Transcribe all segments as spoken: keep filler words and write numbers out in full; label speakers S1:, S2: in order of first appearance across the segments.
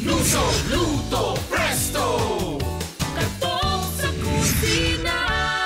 S1: Luso, luto, presto! Katok sa kusina!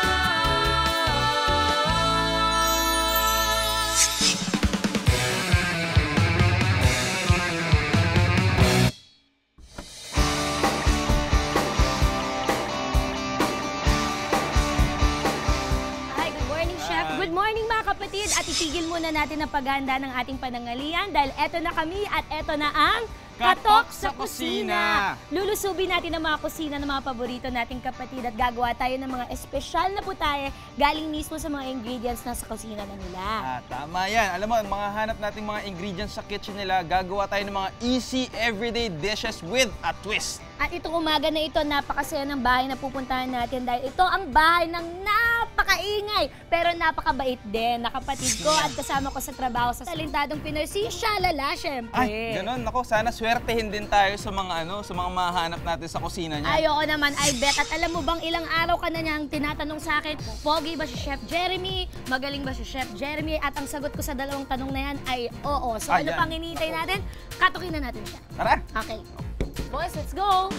S2: Hi, good morning, Chef. Good morning, mga kapatid. At itigil muna natin ang paghahanda ng ating panangalian dahil eto na kami at eto na ang Katok sa Kusina! Lulusubin natin ang mga kusina ng mga paborito nating kapatid at gagawa tayo ng mga espesyal na putahe galing mismo sa mga ingredients na sa kusina na nila.
S3: Ah, tama yan. Alam mo, mga hanap nating mga ingredients sa kitchen nila, gagawa tayo ng mga easy everyday dishes with a twist.
S2: At itong umaga na ito, napakasaya ng bahay na pupuntahan natin dahil ito ang bahay ng napakaingay pero napakabait din na kapatid ko at kasama ko sa trabaho sa talentadong Pinoy, si Shalala, syempre.
S3: Ay, ganun. Ako, sana swertehin din tayo sa mga ano, sa mga mahanap natin sa kusina niya.
S2: Ayoko naman, I bet. At alam mo bang ilang araw ka na niyang tinatanong sa akin, pogi ba si Chef Jeremy? Magaling ba si Chef Jeremy? At ang sagot ko sa dalawang tanong na yan ay oo. So
S3: Ah,
S2: ano
S3: yan.
S2: pang hinihintay natin? Katukin na natin siya.
S3: Tara!
S2: Okay. Boys, let's go!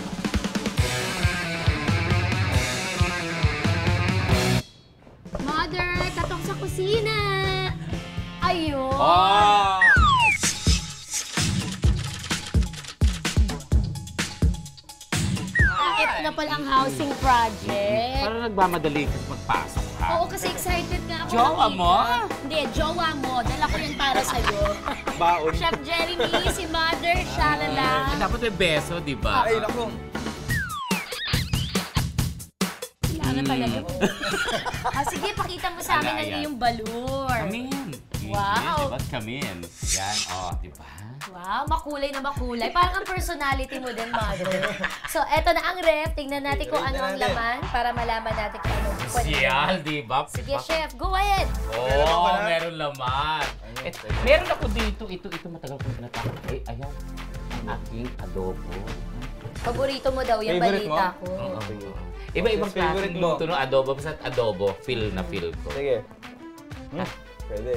S2: Mother, katok sa kusina! Ayun!
S3: Oh!
S2: Ah, ito na pala ang housing project.
S4: Parang nagmamadali kasi magpasok ka.
S2: Oo, kasi excited nga ako.
S4: Jowa
S2: nakita.
S4: mo?
S2: Hindi, jowa mo. Dala ko yan para sa'yo.
S3: Baon.
S2: Chef Jeremy, si Mother, Shalala.
S4: Eh, dapat may beso, di ba?
S3: Ay, naku.
S2: Kailangan talaga. Ah, sige, pakita mo sa amin
S4: Ala,
S2: ang
S4: yan.
S2: iyong balur.
S4: Come in.
S2: Wow.
S4: Diba? Come in. Yan, oh, di ba?
S2: Wow, makulay na makulay. Parang ang personality mo din, Mother. So, eto na ang ref. Tingnan natin kung
S3: Read
S2: ano
S3: na
S2: ang
S3: natin.
S2: laman para malaman natin kung ano.
S4: Siyal, di ba?
S2: Sige, Chef. Go ahead.
S3: Meron
S4: Oo,
S3: ka
S4: oh,
S3: na?
S4: meron laman. Eh, meron ako dito. Ito, ito matagal kong tinatakot. Ay, ayan. Ang aking adobo.
S2: Paborito mo daw yung
S3: Favorite
S2: balita
S3: mo?
S2: ko.
S4: Oo. Iba-ibang
S3: Yes, favorite
S4: klaseng
S3: mo.
S4: luto ng adobo. Basta adobo, feel na feel ko.
S3: Sige. Hmm, pwede.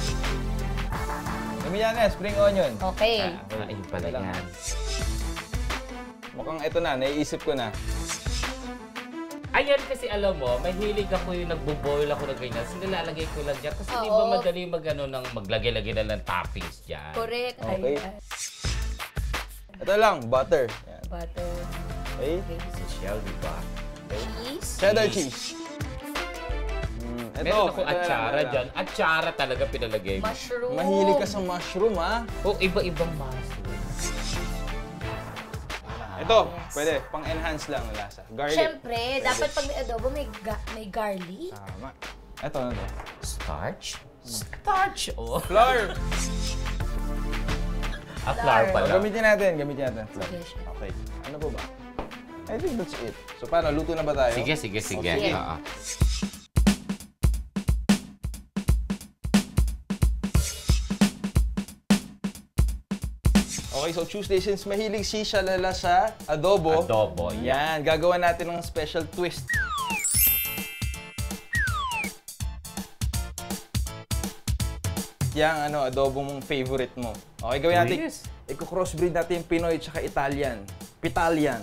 S3: Gamihan na, spring onion.
S2: Okay.
S4: Ah, ayun pala
S3: Wala lang.
S4: yan.
S3: Mukhang ito na, naiisip ko na.
S4: Ayan kasi alam mo, mahilig ako yung nagbo-boil ako na ganyan. So nilalagay ko lang dyan. Kasi di ba
S2: Oo.
S4: madali mag, ano, ng maglagay-lagay na ng toppings dyan.
S2: Correct.
S3: Okay.
S2: Ayan.
S3: Ito lang, butter. Yan.
S2: Butter.
S3: Okay.
S2: Okay.
S4: Social, di ba?
S2: Cheese.
S3: Cheddar cheese. Hmm, ito.
S4: Meron ako
S3: ito na lang,
S4: atsara
S3: ito na
S4: dyan. Atsara talaga pinalagay mo.
S2: Mushroom.
S3: Mahilig ka sa mushroom, ha?
S4: O iba-ibang mushroom.
S3: Ito, pwede. Pang-enhance lang ang lasa. Garlic.
S2: Siyempre, dapat pag may adobo, may, ga- may garlic.
S3: Tama. Ito, ano to?
S4: Starch? Starch! Oh.
S3: Flour!
S4: Ah, flour
S2: Flour.
S4: pala.
S3: Gamitin natin, gamitin natin. Flour.
S2: Sige, chef.
S3: Okay. Ano po ba? I think that's it. So, paano? Luto na ba tayo?
S4: Sige, sige, sige.
S2: Sige.
S4: Oo.
S3: Okay, so Tuesday, since mahilig si Shalala sa adobo,
S4: Adobo,
S3: yan, gagawa natin ng special twist. Yang ano, adobo mong favorite mo. Okay, gawin natin.
S4: Yes.
S3: Iko-crossbreed natin yung Pinoy at Italian. Pitalian.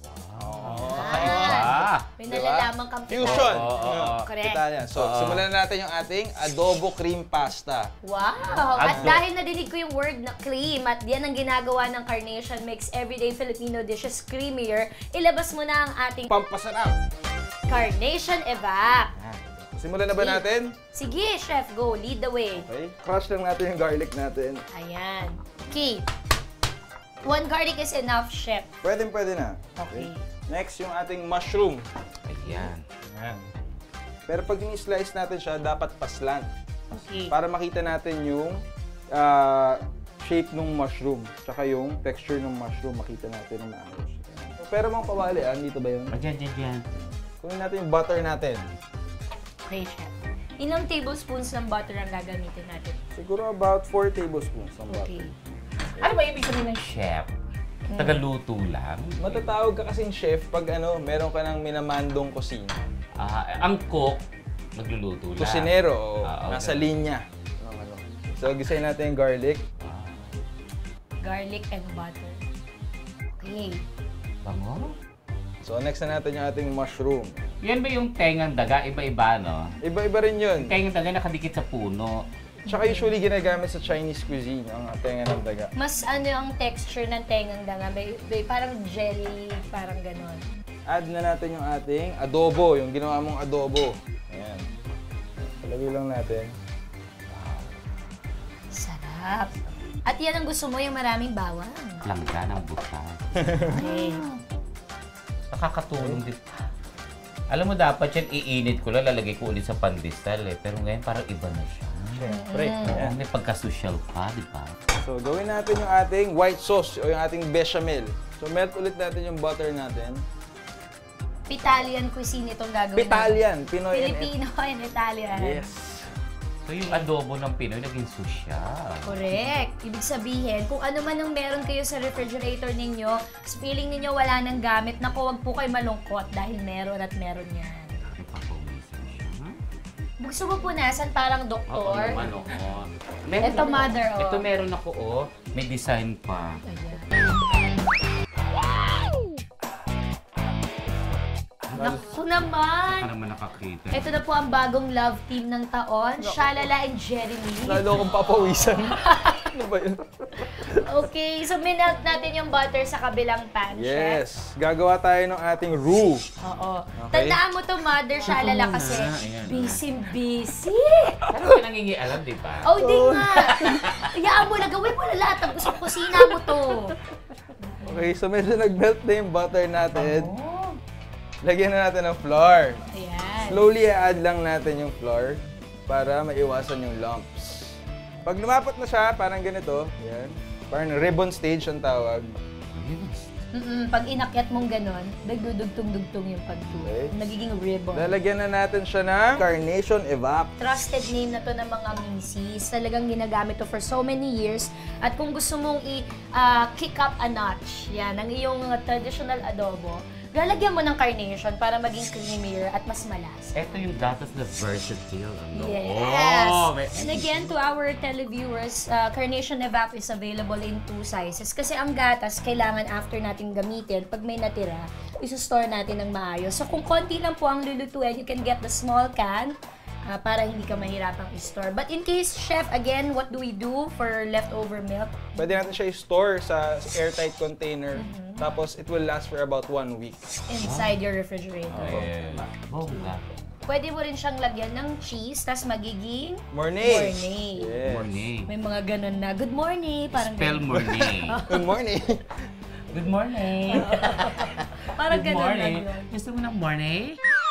S4: Ah!
S2: May
S3: Diba?
S2: nalalaman kang
S3: Fusion!
S4: Oo, oo, oo.
S2: Correct.
S3: Italian. So,
S4: Oo.
S3: simulan na natin yung ating adobo cream pasta.
S2: Wow! At
S4: Ado-
S2: dahil nadinig ko yung word na cream at yan ang ginagawa ng Carnation makes everyday Filipino dishes creamier, ilabas mo na ang ating
S3: Pampasarap!
S2: Carnation Evap.
S3: Simulan na ba natin?
S2: Sige, Chef, go. Lead the way.
S3: Okay. Crush lang natin yung garlic natin.
S2: Ayan. Okay. One garlic is enough, Chef.
S3: Pwede, pwede na.
S2: Okay.
S3: Next, yung ating mushroom.
S4: Ayan.
S3: Ayan. Pero pag ni-slice natin siya, dapat paslant.
S2: Okay.
S3: Para makita natin yung ah, shape ng mushroom. Tsaka yung texture ng mushroom, makita natin ng maayos. Ayan. Pero mga kawali, ah, dito ba yun?
S4: Ayan, ayan, ayan.
S3: Kunin natin yung butter natin.
S2: Okay, Chef. Ilang tablespoons ng butter ang gagamitin natin?
S3: Siguro about four tablespoons ng butter.
S2: Okay.
S4: Ano ba ibig sabihin ng chef? Tagaluto lang?
S3: Matatawag ka kasing chef pag ano, meron ka ng minamandong kusina.
S4: Ah, ang cook, nagluluto lang.
S3: Kusinero, oo.
S4: Ah, okay.
S3: Nasa linya. ng ano. So, gisayin natin yung garlic.
S2: Garlic and butter. Okay.
S4: Bango?
S3: So, next na natin yung ating mushroom.
S4: Yan ba yung tengang daga? Iba-iba, no?
S3: Iba-iba rin yun.
S4: Tengang daga nakadikit sa puno.
S3: Tsaka usually ginagamit sa Chinese cuisine, ang tenga ng daga.
S2: Mas ano ang texture ng tengang danga? May, may parang jelly, parang ganon.
S3: Add na natin yung ating adobo, yung ginawa mong adobo. Ayan. Palagay lang natin.
S2: Sarap. At yan ang gusto mo, yung maraming bawang.
S4: Langga ng butas.
S2: Okay.
S4: Nakakatulong din. Alam mo, dapat yan iinit ko lang, lalagay ko ulit sa pandesal eh. Pero ngayon parang iba na siya.
S3: Siyempre.
S4: Oo,
S3: Ayan.
S4: may pagka-social pa, di ba?
S3: So, gawin natin yung ating white sauce o yung ating bechamel. So, melt ulit natin yung butter natin.
S2: Italian cuisine itong gagawin.
S3: Italian, Pinoy and
S2: Filipino and Italian.
S3: Yes.
S4: So yung adobo ng Pinoy naging social.
S2: Correct. Ibig sabihin, kung ano man ang meron kayo sa refrigerator ninyo, feeling ninyo wala nang gamit, naku, wag po kayo malungkot dahil meron at meron yan.
S4: May papawisan siya. Hmm?
S2: Gusto mo punasan parang
S4: Oo
S2: doktor?
S4: naman, oo.
S2: Ito, mother, oh.
S4: Ito meron ako, oh. May design pa.
S2: Ayan. Naku naman!
S4: Para naman nakakita.
S2: Ito na po ang bagong love team ng taon, Shalala and Jeremy.
S3: Lalo akong papawisan. Ano ba yun?
S2: Okay, so minelt natin yung butter sa kabilang pan, Chef.
S3: Yes. Gagawa tayo ng ating roux.
S2: Oo.
S3: Okay.
S2: Tandaan mo to, Mother Shalala,
S4: Ito
S2: kasi
S4: muna, ayan.
S2: busy-busy.
S4: Parang ka nangingialam, di ba?
S2: Oh, di nga. Iyaan mo na, gawin mo na lahat ng gusto kusina mo to.
S3: Okay, so medyo nag-melt na yung butter natin.
S2: Oh.
S3: Lagyan na natin ng flour.
S2: Ayan.
S3: Slowly i-add lang natin yung flour para maiwasan yung lumps. Pag lumapat na siya, parang ganito, yan. Parang ribbon stage ang tawag.
S2: Mm-mm, pag inakyat mong ganon, nagdudugtong-dugtong yung pagtulo.
S3: Okay.
S2: Nagiging ribbon.
S3: Lalagyan na natin siya ng Carnation Evap.
S2: Trusted name na to ng mga misis. Talagang ginagamit to for so many years. At kung gusto mong i-kick up a notch, yan, ang iyong uh, traditional adobo, lalagyan mo ng carnation para maging creamier at mas malas.
S4: Ito yung gatas na versatile. Ano?
S2: Yes!
S4: Oh, may...
S2: And again, to our televiewers, uh, Carnation Evap is available in two sizes. Kasi ang gatas, kailangan after natin gamitin, pag may natira, iso-store natin ng maayos. So kung konti lang po ang lulutuin, you can get the small can uh, para hindi ka mahirapang i-store. But in case, Chef, again, what do we do for leftover milk?
S3: Pwede natin siya i-store sa airtight container. Tapos it will last for about one week.
S2: Inside your refrigerator.
S4: Ayan. Bongga.
S2: Pwede mo rin siyang lagyan ng cheese, tas magiging
S3: Morning!
S2: morning.
S3: Yes.
S4: Morning.
S2: May mga ganun na, good morning, parang
S4: Spell
S2: ganun.
S4: morning.
S3: Good morning!
S4: Good morning.
S2: Parang
S4: Good
S2: ganun
S4: morning.
S2: lang yun.
S4: Gusto mo ng morning?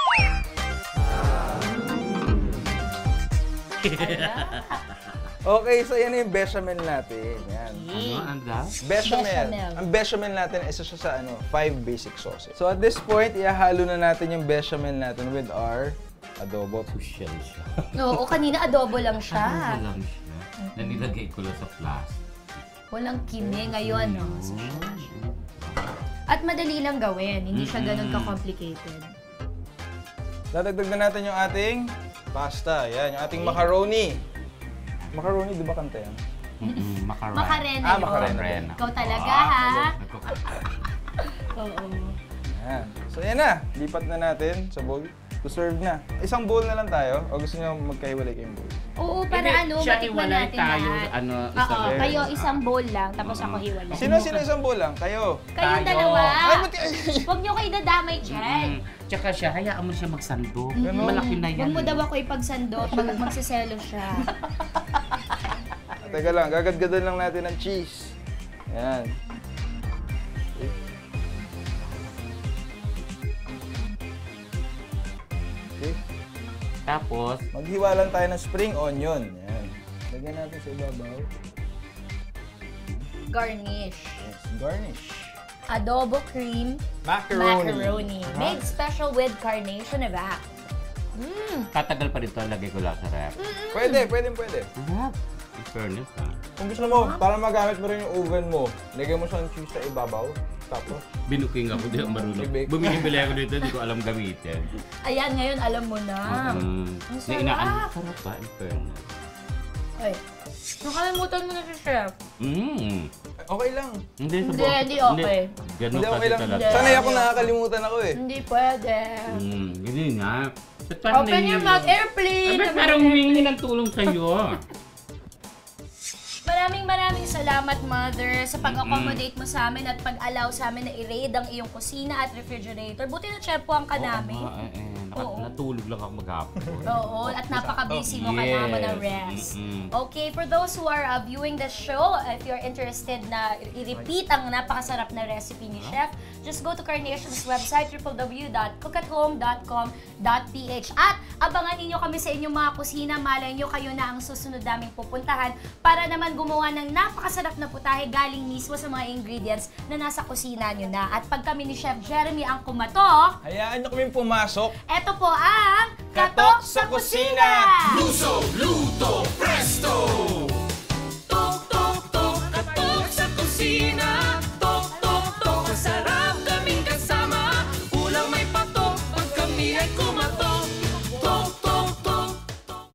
S3: Okay, so yan na yung bechamel natin. Yan.
S4: Ano? Anda?
S3: Bechamel.
S2: Bechamel.
S3: Ang bechamel natin, isa siya sa ano, five basic sauces. So at this point, ihahalo na natin yung bechamel natin with our adobo.
S4: Social siya.
S2: Oo, kanina adobo lang siya.
S4: Ano lang siya? Na nilagay ko lang sa plastic.
S2: Walang kime ngayon, no? So, at madali lang gawin, hindi siya ganun ka-complicated.
S3: Dadagdag na natin yung ating pasta. Yan, yung ating macaroni. Macaroni, di ba kanta yan?
S4: Mm-mm, macaroni.
S2: Makarena
S3: Ah,
S2: yun.
S3: macarena.
S2: Ikaw talaga,
S4: Ah,
S2: ha?
S4: nagkuk-
S2: Oo.
S3: Yan. So yan na, lipat na natin sa bowl. To serve na. Isang bowl na lang tayo o gusto niyo magkahiwalay kayong bowl?
S2: Oo, para
S4: Hindi,
S2: ano,
S4: siya
S2: matikman
S4: iwalay
S2: natin
S4: tayo,
S2: lahat.
S4: ano,
S2: Oo,
S4: isang-
S2: kayo isang bowl lang, tapos ako hiwalay.
S3: Sino sino isang bowl lang? Kayo.
S2: Kayong
S4: Tayo.
S2: dalawa.
S3: Ay, buti ay.
S2: Huwag niyo kayo dadamay dyan.
S4: Mm. Tsaka siya, hayaan mo siya magsando.
S3: Ganun.
S4: Malaki na yan.
S2: Huwag mo
S4: eh.
S2: daw ako ipagsandot pag magsiselo siya.
S3: Teka lang, gagadgadan lang natin ng cheese. Yan. Okay.
S4: Tapos,
S3: Maghiwa lang tayo ng spring onion. Yan. Lagyan natin sa ibabaw.
S2: Garnish.
S3: Yes, garnish.
S2: Adobo cream
S3: Macaroni.
S2: macaroni. Made special with Carnation Evap. Mmm.
S4: tatagal pa rin ito, lagay ko lang sa ref.
S3: Pwede, pwede, pwede.
S4: Sarap. In fairness, ha?
S3: Kung gusto mo, para magamit mo rin yung oven mo, lagyan mo siya ng cheese sa ibabaw. Tapos,
S4: Binuking ako, di ako marunong.
S3: Bibig.
S4: Bumili-bili ako dito, di ko alam gamitin.
S2: Ayan, ngayon alam mo na.
S4: Mm.
S2: Ang
S4: Na
S2: sarap.
S4: inaan, sarap ba? In fairness.
S2: Ay, nakalimutan mo na si Chef.
S4: Mm.
S3: Okay lang.
S4: Hindi,
S2: Hindi, hindi okay.
S4: Ganun
S3: Hindi,
S4: kasi
S3: okay lang.
S4: talaga.
S3: Sanay ako nakakalimutan ako eh.
S2: Hindi pwede.
S4: Hmm, hindi nga. Ba't parang
S2: Open your
S4: nahihilo?
S2: mouth, airplane!
S4: Ah, ba't parang humingi ng tulong sa'yo?
S2: Maraming maraming salamat, Mother, sa pag-accommodate mo sa amin at pag-allow sa amin na i-raid ang iyong kusina at refrigerator. Buti na tsempuhan ka namin.
S4: Oo, nga, eh, eh, naka-
S2: Oo.
S4: Natulog lang ako maghapon.
S2: Oo, at napaka-busy mo ka
S4: Yes.
S2: naman ng rest.
S4: Mm-mm.
S2: Okay, for those who are uh, viewing the show, if you're interested na i-repeat ang napakasarap na recipe ni Chef, just go to Carnation's website, w w w dot cook at home dot com dot p h. At abangan ninyo kami sa inyong mga kusina. Malay nyo kayo na ang susunod naming pupuntahan para naman gumawa ng napakasarap na putahe galing mismo sa mga ingredients na nasa kusina nyo na. At pag kami ni Chef Jeremy ang kumatok,
S3: Hayaan nyo kaming pumasok.
S2: eto po ang
S3: Katok sa Kusina!
S1: Luso, luto,